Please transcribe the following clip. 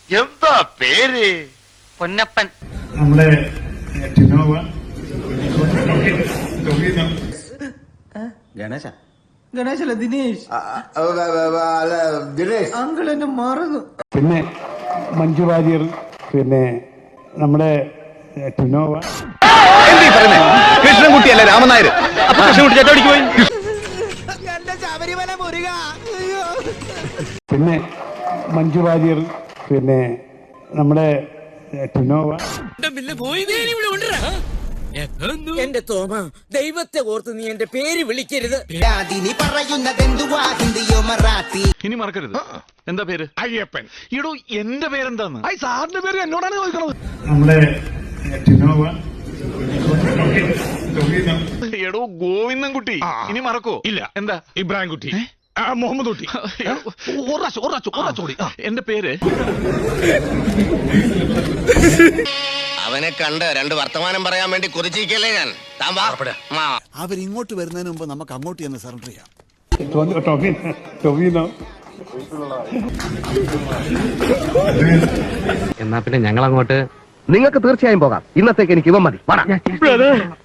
എന്താ പേര്? പൊന്നപ്പൻ. നമ്മുടെ ടിനോവ, ഗണേശ ഗണേശല്ല, ദിനേശ്. ദിനേശ് അങ്കിൾ എന്നെ മറന്നു. പിന്നെ മഞ്ജു വാര്യർ, പിന്നെ നമ്മുടെ ടിനോവ, കൃഷ്ണൻകുട്ടിയല്ല രാമനായർ. കൃഷ്ണൻകുട്ടി ചേട്ടടിക്ക് പോയി. പിന്നെ മഞ്ജു വാര്യർ, പിന്നെ നമ്മുടെ ടിനോവ. എന്റെ തോമ, ദൈവത്തെ ഓർത്ത് നീ എന്റെ പേര് വിളിക്കരുത്. ഇനി മറക്കരുത്. എന്താ പേര്? അയ്യപ്പൻ. ഇടൂ, എന്റെ പേരെന്താന്ന്? സാറിന്റെ പേര് എന്നോടാണ് ചോദിക്കണത്. നമ്മുടെ ടിനോവ, എടോ ഗോവിന്ദൻകുട്ടി. ഇനി മറക്കോ? ഇല്ല. എന്താ? ഇബ്രാഹിം കുട്ടി, മുഹമ്മദ് കുട്ടി. എന്റെ പേര്. അവനെ കണ്ട് രണ്ട് വർത്തമാനം പറയാൻ വേണ്ടി കൊതിച്ചിരിക്കല്ലേ ഞാൻ. അവരിങ്ങോട്ട് വരുന്നതിന് മുമ്പ് നമുക്ക് അങ്ങോട്ട് ചെന്ന് സറണ്ടർ ചെയ്യാം. ടൊവിനോ. എന്നാ പിന്നെ ഞങ്ങൾ അങ്ങോട്ട്. നിങ്ങൾക്ക് തീർച്ചയായും പോകാം. ഇന്നത്തേക്ക് എനിക്ക് ഇവ മതി.